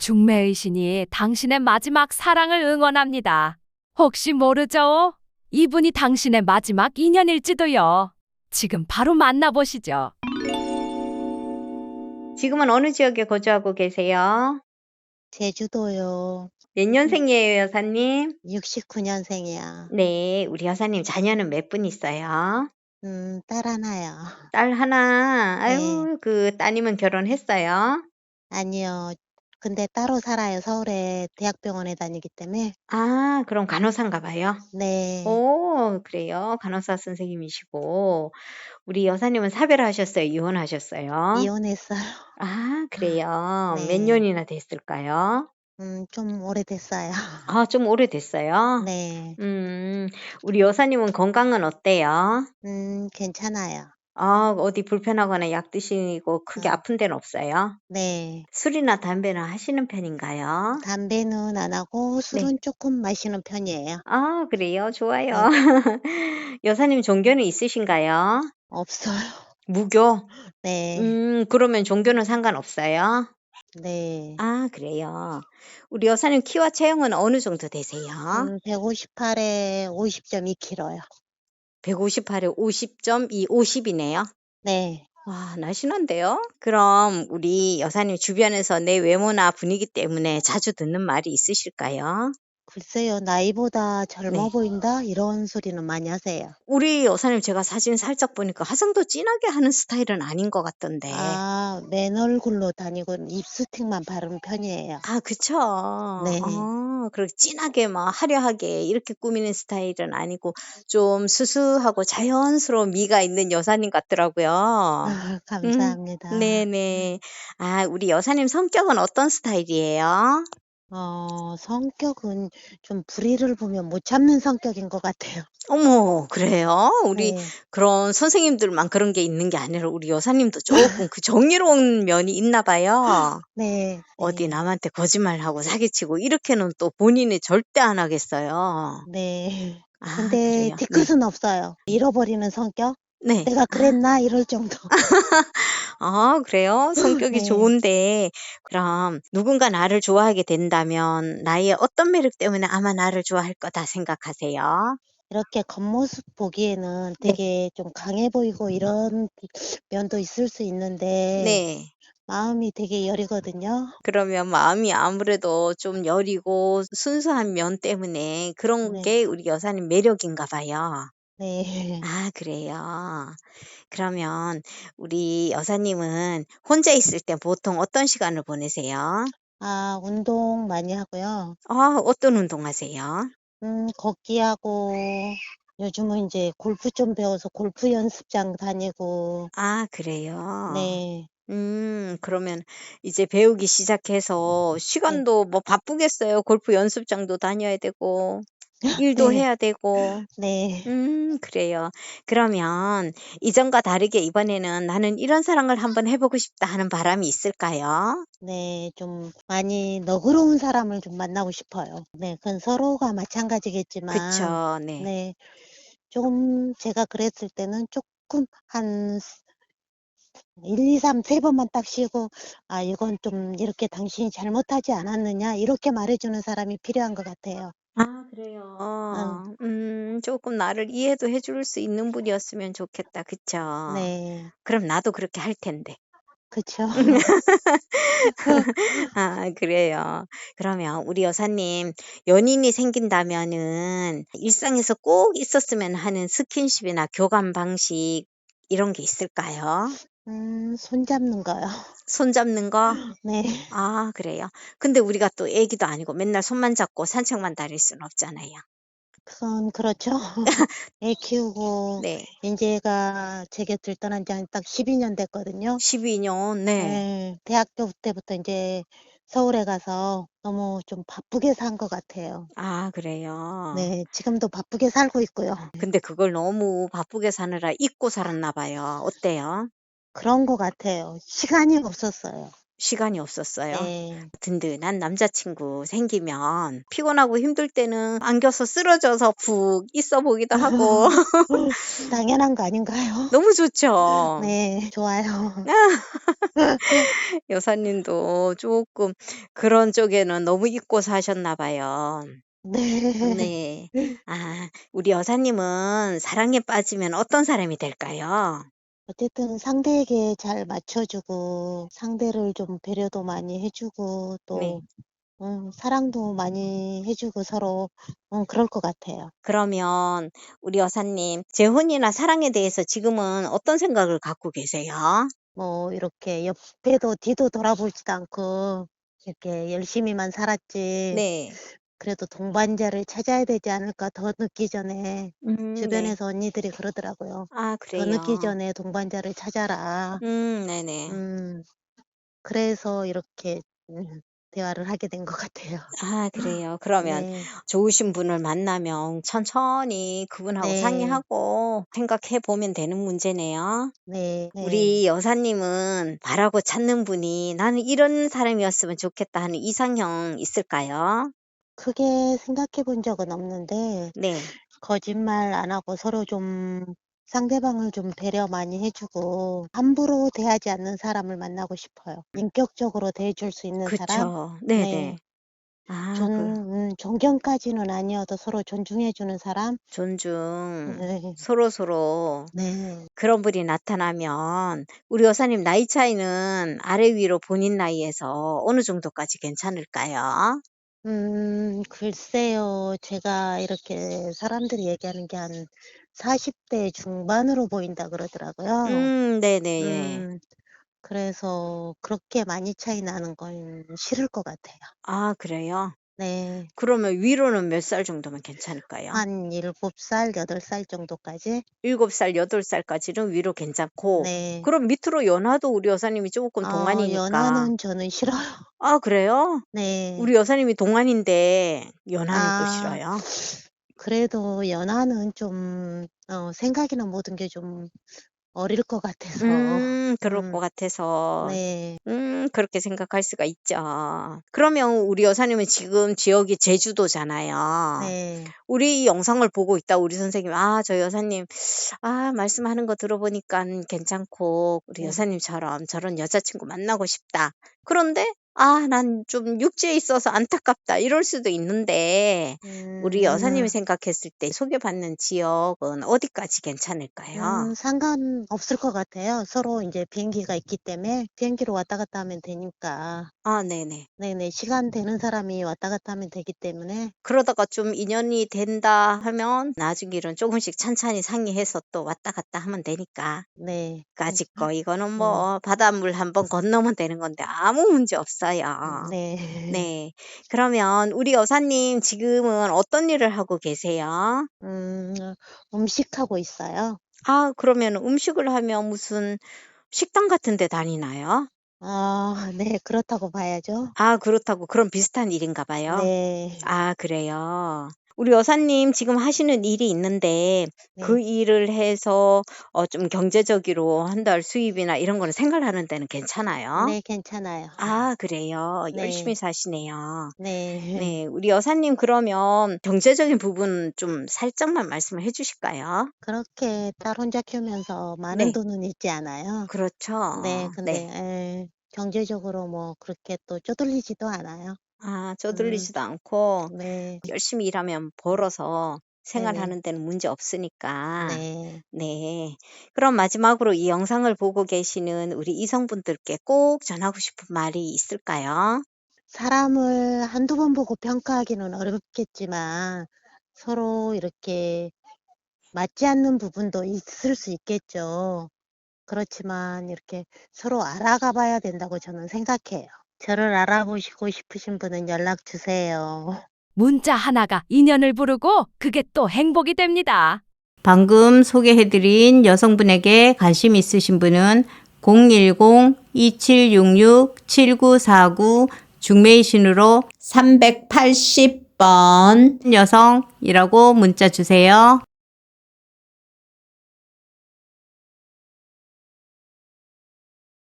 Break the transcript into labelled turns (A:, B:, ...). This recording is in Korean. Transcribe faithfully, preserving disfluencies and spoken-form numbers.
A: 중매의 신이 당신의 마지막 사랑을 응원합니다. 혹시 모르죠? 이분이 당신의 마지막 인연일지도요. 지금 바로 만나보시죠.
B: 지금은 어느 지역에 거주하고 계세요?
C: 제주도요.
B: 몇 년생이에요, 여사님?
C: 육십구 년생이야.
B: 네, 우리 여사님 자녀는 몇 분 있어요?
C: 음, 딸 하나요.
B: 딸 하나.
C: 네.
B: 아유, 그 따님은 결혼했어요?
C: 아니요. 근데 따로 살아요. 서울에 대학병원에 다니기 때문에.
B: 아, 그럼 간호사인가 봐요.
C: 네.
B: 오, 그래요. 간호사 선생님이시고. 우리 여사님은 사별하셨어요? 이혼하셨어요?
C: 이혼했어요.
B: 아, 그래요. 몇
C: 네.
B: 년이나 됐을까요?
C: 음, 좀 오래됐어요.
B: 아, 좀 오래됐어요?
C: 네.
B: 음, 우리 여사님은 건강은 어때요?
C: 음, 괜찮아요.
B: 아, 어디 불편하거나 약 드시고 크게
C: 어,
B: 아픈 데는 없어요?
C: 네.
B: 술이나 담배는 하시는 편인가요?
C: 담배는 안 하고
B: 네.
C: 술은 조금 마시는 편이에요.
B: 아, 그래요? 좋아요.
C: 네.
B: 여사님 종교는 있으신가요?
C: 없어요.
B: 무교?
C: 네.
B: 음, 그러면 종교는 상관없어요?
C: 네.
B: 아, 그래요. 우리 여사님 키와 체형은 어느 정도 되세요?
C: 음, 백오십팔에 오십 점 이 킬로그램요.
B: 백오십팔에 오십 점 이, 오십이네요.
C: 네.
B: 와, 날씬한데요? 그럼 우리 여사님 주변에서 내 외모나 분위기 때문에 자주 듣는 말이 있으실까요?
C: 글쎄요, 나이보다 젊어
B: 네.
C: 보인다? 이런 소리는 많이 하세요.
B: 우리 여사님 제가 사진 살짝 보니까 화장도 진하게 하는 스타일은 아닌 것 같던데.
C: 아, 맨 얼굴로 다니고 립스틱만 바르는 편이에요.
B: 아, 그쵸.
C: 네.
B: 어, 그렇게 진하게 막 화려하게 이렇게 꾸미는 스타일은 아니고 좀 수수하고 자연스러운 미가 있는 여사님 같더라고요.
C: 아,
B: 음,
C: 감사합니다.
B: 네네. 아, 우리 여사님 성격은 어떤 스타일이에요?
C: 어, 성격은 좀 불의를 보면 못 참는 성격인 것 같아요.
B: 어머, 그래요? 우리
C: 네.
B: 그런 선생님들만 그런 게 있는 게 아니라 우리 여사님도 조금 그 정의로운 면이 있나 봐요.
C: 네.
B: 어디
C: 네.
B: 남한테 거짓말하고 사기치고 이렇게는 또 본인이 절대 안 하겠어요.
C: 네.
B: 아,
C: 근데
B: 그래요? 네.
C: 뒤끝은 없어요. 잃어버리는 성격?
B: 네.
C: 내가
B: 아,
C: 그랬나? 이럴 정도.
B: 아, 그래요? 성격이
C: 네.
B: 좋은데, 그럼 누군가 나를 좋아하게 된다면 나의 어떤 매력 때문에 아마 나를 좋아할 거다 생각하세요?
C: 이렇게 겉모습 보기에는
B: 네.
C: 되게 좀 강해 보이고 이런 면도 있을 수 있는데
B: 네.
C: 마음이 되게 여리거든요.
B: 그러면 마음이 아무래도 좀 여리고 순수한 면 때문에 그런
C: 네.
B: 게 우리 여사님 매력인가 봐요.
C: 네.
B: 아, 그래요. 그러면 우리 여사님은 혼자 있을 때 보통 어떤 시간을 보내세요?
C: 아, 운동 많이 하고요.
B: 아, 어떤 운동 하세요?
C: 음, 걷기 하고 요즘은 이제 골프 좀 배워서 골프 연습장 다니고
B: 아, 그래요.
C: 네.
B: 음, 그러면 이제 배우기 시작해서
C: 네.
B: 시간도 뭐 바쁘겠어요. 골프 연습장도 다녀야 되고, 일도
C: 네.
B: 해야 되고.
C: 네.
B: 음, 그래요. 그러면 이전과 다르게 이번에는 나는 이런 사랑을 한번 해보고 싶다 하는 바람이 있을까요?
C: 네. 좀 많이 너그러운 사람을 좀 만나고 싶어요. 네. 그건 서로가 마찬가지겠지만
B: 그쵸, 네.
C: 네. 좀 제가 그랬을 때는 조금 한 일, 이, 삼, 세 번만 딱 쉬고 아, 이건 좀 이렇게 당신이 잘못하지 않았느냐 이렇게 말해주는 사람이 필요한 것 같아요.
B: 아, 그래요.
C: 응.
B: 음, 조금 나를 이해도 해줄 수 있는 분이었으면 좋겠다. 그쵸?
C: 네.
B: 그럼 나도 그렇게 할 텐데.
C: 그쵸.
B: 아, 그래요. 그러면 우리 여사님, 연인이 생긴다면은 일상에서 꼭 있었으면 하는 스킨십이나 교감 방식 이런 게 있을까요?
C: 음, 손 잡는 거요.
B: 손 잡는 거?
C: 네.
B: 아, 그래요. 근데 우리가 또 애기도 아니고 맨날 손만 잡고 산책만 다닐 수는 없잖아요.
C: 그건 그렇죠. 애 키우고
B: 네.
C: 인제가 제 곁을 떠난 지 한 딱 십이 년 됐거든요.
B: 십이 년, 네.
C: 네. 대학교 때부터 인제 서울에 가서 너무 좀 바쁘게 산 것 같아요.
B: 아, 그래요.
C: 네. 지금도 바쁘게 살고 있고요.
B: 근데 그걸 너무 바쁘게 사느라 잊고 살았나 봐요. 어때요?
C: 그런 것 같아요. 시간이 없었어요.
B: 시간이 없었어요.
C: 네.
B: 든든한 남자친구 생기면 피곤하고 힘들 때는 안겨서 쓰러져서 푹 있어 보기도 하고
C: 당연한 거 아닌가요?
B: 너무 좋죠.
C: 네, 좋아요.
B: 여사님도 조금 그런 쪽에는 너무 잊고 사셨나 봐요.
C: 네.
B: 네. 아, 우리 여사님은 사랑에 빠지면 어떤 사람이 될까요?
C: 어쨌든 상대에게 잘 맞춰주고 상대를 좀 배려도 많이 해주고
B: 네.
C: 또 음, 사랑도 많이 해주고 서로 음, 그럴 것 같아요.
B: 그러면 우리 여사님, 재혼이나 사랑에 대해서 지금은 어떤 생각을 갖고 계세요?
C: 뭐 이렇게 옆에도 뒤도 돌아보지도 않고 이렇게 열심히만 살았지.
B: 네.
C: 그래도 동반자를 찾아야 되지 않을까 더 늦기 전에
B: 음, 네.
C: 주변에서 언니들이 그러더라고요.
B: 아,
C: 더 늦기
B: 그래요.
C: 전에 동반자를 찾아라.
B: 음, 네네.
C: 음, 그래서 이렇게 음, 대화를 하게 된 것 같아요.
B: 아, 그래요. 그러면
C: 네,
B: 좋으신 분을 만나면 천천히 그분하고
C: 네,
B: 상의하고 생각해 보면 되는 문제네요.
C: 네, 네.
B: 우리 여사님은 바라고 찾는 분이 나는 이런 사람이었으면 좋겠다 하는 이상형 있을까요?
C: 크게 생각해 본 적은 없는데
B: 네.
C: 거짓말 안 하고 서로 좀 상대방을 좀 배려 많이 해주고 함부로 대하지 않는 사람을 만나고 싶어요. 인격적으로 대해줄 수 있는 사람?
B: 그쵸.
C: 네.
B: 네네. 아,
C: 존,
B: 그
C: 음, 존경까지는 아니어도 서로 존중해주는 사람?
B: 존중.
C: 네.
B: 서로서로
C: 네.
B: 그런 분이 나타나면 우리 여사님 나이 차이는 아래 위로 본인 나이에서 어느 정도까지 괜찮을까요?
C: 음, 글쎄요. 제가 이렇게 사람들이 얘기하는 게 한 사십 대 중반으로 보인다 그러더라고요.
B: 음, 네네, 예.
C: 음, 그래서 그렇게 많이 차이 나는 건 싫을 것 같아요.
B: 아, 그래요?
C: 네.
B: 그러면 위로는 몇 살 정도면 괜찮을까요?
C: 한 일곱 살, 여덟 살 정도까지?
B: 일곱 살, 여덟 살까지는 위로 괜찮고,
C: 네.
B: 그럼 밑으로 연하도 우리 여사님이 조금
C: 아,
B: 동안이니까.
C: 연하는 저는 싫어요.
B: 아, 그래요?
C: 네.
B: 우리 여사님이 동안인데 연하는 또
C: 아,
B: 싫어요?
C: 그래도 연하는 좀, 어, 생각이나 모든 게 좀 어릴 것 같아서.
B: 음, 그럴
C: 음,
B: 것 같아서.
C: 네.
B: 음, 그렇게 생각할 수가 있죠. 그러면 우리 여사님은 지금 지역이 제주도잖아요.
C: 네.
B: 우리 이 영상을 보고 있다 우리 선생님이 아, 저 여사님 아, 말씀하는 거 들어보니까 괜찮고 우리
C: 네.
B: 여사님처럼 저런 여자친구 만나고 싶다. 그런데 아, 난 좀 육지에 있어서 안타깝다. 이럴 수도 있는데 우리 여사님이
C: 음,
B: 생각했을 때 소개받는 지역은 어디까지 괜찮을까요?
C: 음, 상관없을 것 같아요. 서로 이제 비행기가 있기 때문에 비행기로 왔다 갔다 하면 되니까.
B: 아, 네네.
C: 네네. 시간 되는 사람이 왔다 갔다 하면 되기 때문에.
B: 그러다가 좀 인연이 된다 하면 나중 일은 조금씩 찬찬히 상의해서 또 왔다 갔다 하면 되니까.
C: 네.
B: 아직 거 이거는
C: 음,
B: 뭐 바닷물 한번 건너면 되는 건데 아무 문제 없어요.
C: 네.
B: 네. 그러면 우리 여사님 지금은 어떤 일을 하고 계세요?
C: 음, 음식하고 있어요.
B: 아, 그러면 음식을 하면 무슨 식당 같은 데 다니나요?
C: 아, 네. 그렇다고 봐야죠.
B: 아, 그렇다고 그런 비슷한 일인가 봐요.
C: 네.
B: 아, 그래요. 우리 여사님 지금 하시는 일이 있는데 그
C: 네.
B: 일을 해서 어 좀 경제적으로 한 달 수입이나 이런 거는 생활하는 데는 괜찮아요?
C: 네, 괜찮아요.
B: 아, 그래요. 열심히
C: 네.
B: 사시네요.
C: 네.
B: 네. 우리 여사님 그러면 경제적인 부분 좀 살짝만 말씀을 해 주실까요?
C: 그렇게 딸 혼자 키우면서 많은
B: 네.
C: 돈은 있지 않아요. 네.
B: 그렇죠.
C: 근데
B: 네.
C: 예, 경제적으로 뭐 그렇게 또 쪼들리지도 않아요.
B: 아,
C: 음,
B: 쪼들리지도 않고
C: 네.
B: 열심히 일하면 벌어서
C: 네네.
B: 생활하는 데는 문제 없으니까.
C: 네.
B: 네. 그럼 마지막으로 이 영상을 보고 계시는 우리 이성분들께 꼭 전하고 싶은 말이 있을까요?
C: 사람을 한두 번 보고 평가하기는 어렵겠지만 서로 이렇게 맞지 않는 부분도 있을 수 있겠죠. 그렇지만 이렇게 서로 알아가 봐야 된다고 저는 생각해요. 저를 알아보시고 싶으신 분은 연락 주세요.
A: 문자 하나가 인연을 부르고 그게 또 행복이 됩니다.
D: 방금 소개해드린 여성분에게 관심 있으신 분은 공일공 이칠육육 칠구사구 중매이신으로 삼백팔십 번 여성이라고 문자 주세요.